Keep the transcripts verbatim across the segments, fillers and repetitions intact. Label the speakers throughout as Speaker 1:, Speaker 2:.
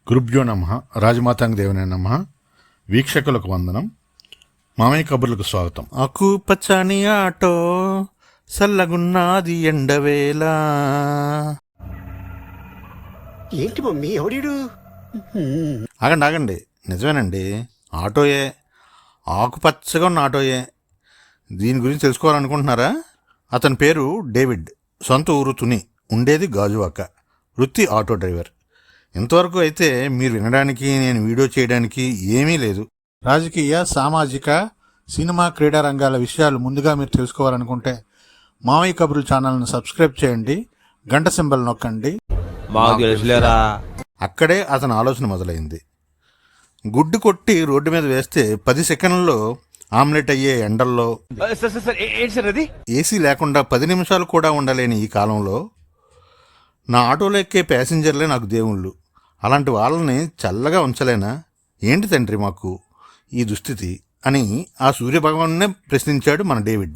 Speaker 1: గురుభ్యో నమః. రాజమాతాంగ దేవునే నమః. వీక్షకులకు వందనం. మామయ్య కబుర్లకు స్వాగతం. ఆకు పచ్చని ఆటో సల్లగున్నాది ఎండవేళ.
Speaker 2: ఏంటి మమ్మీ ఎవడీడు?
Speaker 1: ఆగండి ఆగండి, నిజమేనండి, ఆటోయే, ఆకుపచ్చగా ఉన్న ఆటోయే. దీని గురించి తెలుసుకోవాలనుకుంటున్నారా? అతని పేరు డేవిడ్. సొంత ఊరు తుని, ఉండేది గాజువాక. వృత్తి ఆటో డ్రైవర్. ఇంతవరకు అయితే మీరు వినడానికి, నేను వీడియో చేయడానికి ఏమీ లేదు. రాజకీయ, సామాజిక, సినిమా, క్రీడా రంగాల విషయాలు ముందుగా మీరు తెలుసుకోవాలనుకుంటే మామయ్య కబుర్లు ఛానల్ను సబ్స్క్రైబ్ చేయండి, గంట సింబల్ నొక్కండి. అక్కడే అతని ఆలోచన మొదలైంది. గుడ్డు కొట్టి రోడ్డు మీద వేస్తే పది సెకండ్లలో ఆమ్లెట్ అయ్యే ఎండల్లో, ఏసీ లేకుండా పది నిమిషాలు కూడా ఉండలేని ఈ కాలంలో నా ఆటోలో ఎక్కే ప్యాసింజర్లే నాకు దేవుళ్ళు. అలాంటి వాళ్ళని చల్లగా ఉంచలేనా ఏంటి తండ్రి మాకు ఈ దుస్థితి అని ఆ సూర్యభగవాన్నే ప్రశ్నించాడు మన డేవిడ్.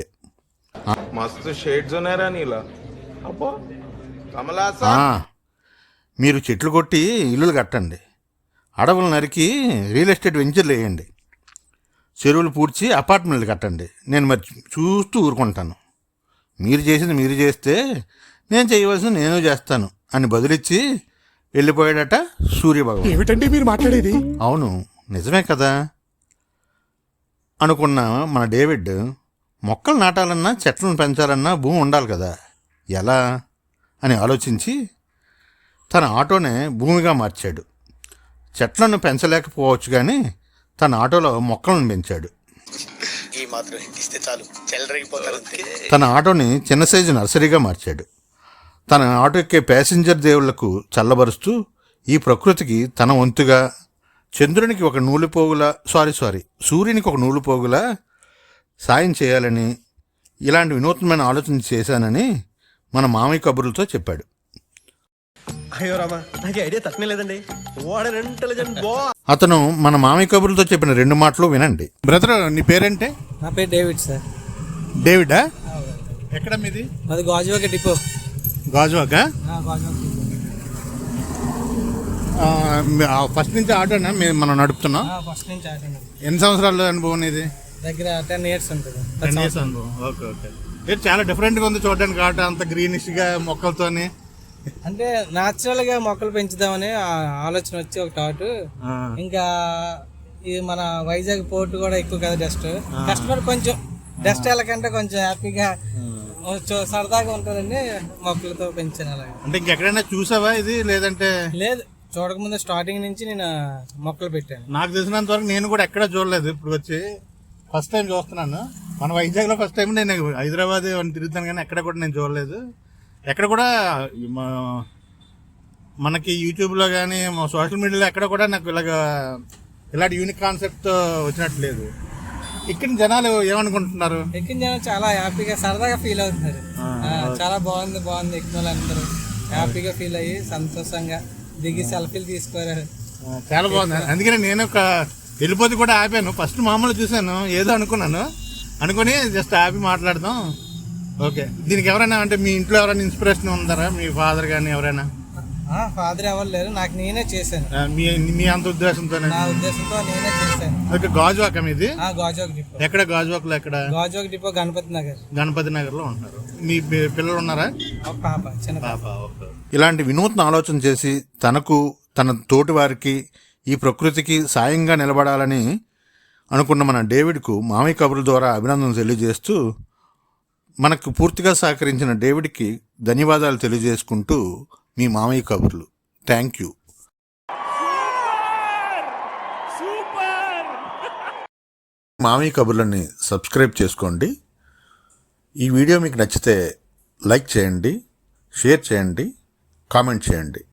Speaker 1: మీరు చెట్లు కొట్టి ఇల్లులు కట్టండి, అడవులు నరికి రియల్ ఎస్టేట్ వెంచర్లు వేయండి, చెరువులు పూడ్చి అపార్ట్మెంట్లు కట్టండి, నేను మరి చూస్తూ ఊరుకుంటాను. మీరు చేసింది మీరు చేస్తే నేను చేయవలసింది నేను చేస్తాను అని బదులిచ్చి వెళ్ళిపోయాడట సూర్యభగవాన్.
Speaker 2: ఏమిటండి మీరు మాట్లాడేది?
Speaker 1: అవును, నిజమే కదా అనుకున్న మన డేవిడ్, మొక్కలు నాటాలన్నా చెట్లను పెంచాలన్నా భూమి ఉండాలి కదా, ఎలా అని ఆలోచించి తన ఆటోనే భూమిగా మార్చాడు. చెట్లను పెంచలేకపోవచ్చు కానీ తన ఆటోలో మొక్కలను పెంచాడు. తన ఆటోని చిన్న సైజు నర్సరీగా మార్చాడు. తన ఆటో ఎక్కే ప్యాసింజర్ దేవుళ్లకు చల్లబరుస్తూ ఈ ప్రకృతికి తన వంతుగా చంద్రునికి ఒక నూలు పోగులా సారీ సారీ సూర్యునికి ఒక నూలు పోగులా సాయం చేయాలని, ఇలాంటి వినూత్నమైన ఆలోచన చేశానని మన మామయ్య కబుర్లతో చెప్పాడు. అతను మన మామయ్య కబుర్లతో చెప్పిన రెండు మాటలు వినండి. బ్రదర్, నీ పేరేంటే?
Speaker 3: నా పేరు డేవిడ్ సార్.
Speaker 1: డేవిడా? ఎక్కడ మీది?
Speaker 3: అది గాజువాక డిపో.
Speaker 1: గాజువాక? ఫస్ట్ నుంచి ఆటోనా మనం నడుపుతున్నాం?
Speaker 3: ఫస్ట్ నుంచి ఆటో.
Speaker 1: ఎన్ని సంవత్సరాల అనుభవం ఇది?
Speaker 3: దగ్గర టెన్ ఇయర్స్ ఉంటుంది.
Speaker 1: టెన్ ఇయర్స్ అనుభవం. Okay okay. చాలా డిఫరెంట్గా ఉంది చూడడానికి ఆటో, అంత గ్రీనిష్గా మొక్కలతోని.
Speaker 3: అంటే న్యాచురల్ గా మొక్కలు పెంచుదామని ఆలోచన వచ్చి ఒక థాట్. ఇంకా ఇది మన వైజాగ్ పోర్ట్ కూడా ఎక్కువ కదా డస్ట్. కస్టమర్ కొంచెం డస్ట్ వెళ్ళకంటే కొంచెం హ్యాపీగా సరదాగా ఉంటుందండి మొక్కలతో పెంచాను. అలాగే
Speaker 1: అంటే ఇంకెక్కడైనా చూసావా ఇది? లేదంటే
Speaker 3: లేదు, చూడకముందు స్టార్టింగ్ నుంచి నేను మొక్కలు పెట్టాను.
Speaker 1: నాకు తెలిసినంత వరకు నేను కూడా ఎక్కడ చూడలేదు. ఇప్పుడు వచ్చి ఫస్ట్ టైం చూస్తున్నాను. మన వైజాగ్ లో ఫస్ట్ టైం. నేను హైదరాబాద్ తిరుగుతాను కానీ ఎక్కడ కూడా నేను చూడలేదు. ఎక్కడ కూడా మనకి యూట్యూబ్లో కానీ సోషల్ మీడియాలో ఎక్కడ కూడా నాకు ఇలాగ ఇలాంటి యూనిక్ కాన్సెప్ట్ వచ్చినట్టు లేదు. ఇక్కడ జనాలు ఏమనుకుంటున్నారు?
Speaker 3: ఎక్కిన జనాలు చాలా హ్యాపీగా సరదాగా ఫీల్ అవుతున్నారు. చాలా బాగుంది బాగుంది ఎక్కిన వాళ్ళందరూ హ్యాపీగా ఫీల్ అయ్యి సంతోషంగా దిగి సెల్ఫీలు తీసుకోరు.
Speaker 1: చాలా బాగుంది. అందుకని నేను ఒక వెళ్ళిపోతే కూడా ఆపాను. ఫస్ట్ మామూలు చూశాను, ఏదో అనుకున్నాను, అనుకుని జస్ట్ ఆపి మాట్లాడదాం. ఓకే. దీనికి ఎవరైనా అంటే మీ ఇంట్లో ఎవరైనా ఇన్స్పిరేషన్ ఉందారా? మీ ఫాదర్ కానీ ఎవరైనా?
Speaker 3: ఫాదర్ ఎవరు లేరు, నాకు నేనే చేశాను.
Speaker 1: మీ మీ అంత ఉద్దేశంతో?
Speaker 3: నా ఉద్దేశంతో నేనే చేశాను.
Speaker 1: ఓకే. గాజువాక మీది?
Speaker 3: గాజువాక డిపో.
Speaker 1: ఎక్కడ గాజువాకలో? ఎక్కడ?
Speaker 3: గాజువాక డిపో గణపతి నగర్.
Speaker 1: గణపతి నగర్ లో ఉంటున్నారు. మీ పిల్లలు ఉన్నారా?
Speaker 3: పాప, చిన్న
Speaker 1: పాప. ఓకే. ఇలాంటి వినూత్న ఆలోచన చేసి తనకు, తన తోటి వారికి, ఈ ప్రకృతికి సాయంగా నిలబడాలని అనుకున్న మన డేవిడ్కు మామయ్య కబుర్ల ద్వారా అభినందనలు తెలియజేస్తూ, మనకు పూర్తిగా సహకరించిన డేవిడ్కి ధన్యవాదాలు తెలియజేసుకుంటూ మీ మామయ్య కబుర్లు. Thank you. మామయ్య కబుర్లని సబ్స్క్రైబ్ చేసుకోండి. ఈ వీడియో మీకు నచ్చితే లైక్ చేయండి, షేర్ చేయండి, కామెంట్ చేయండి.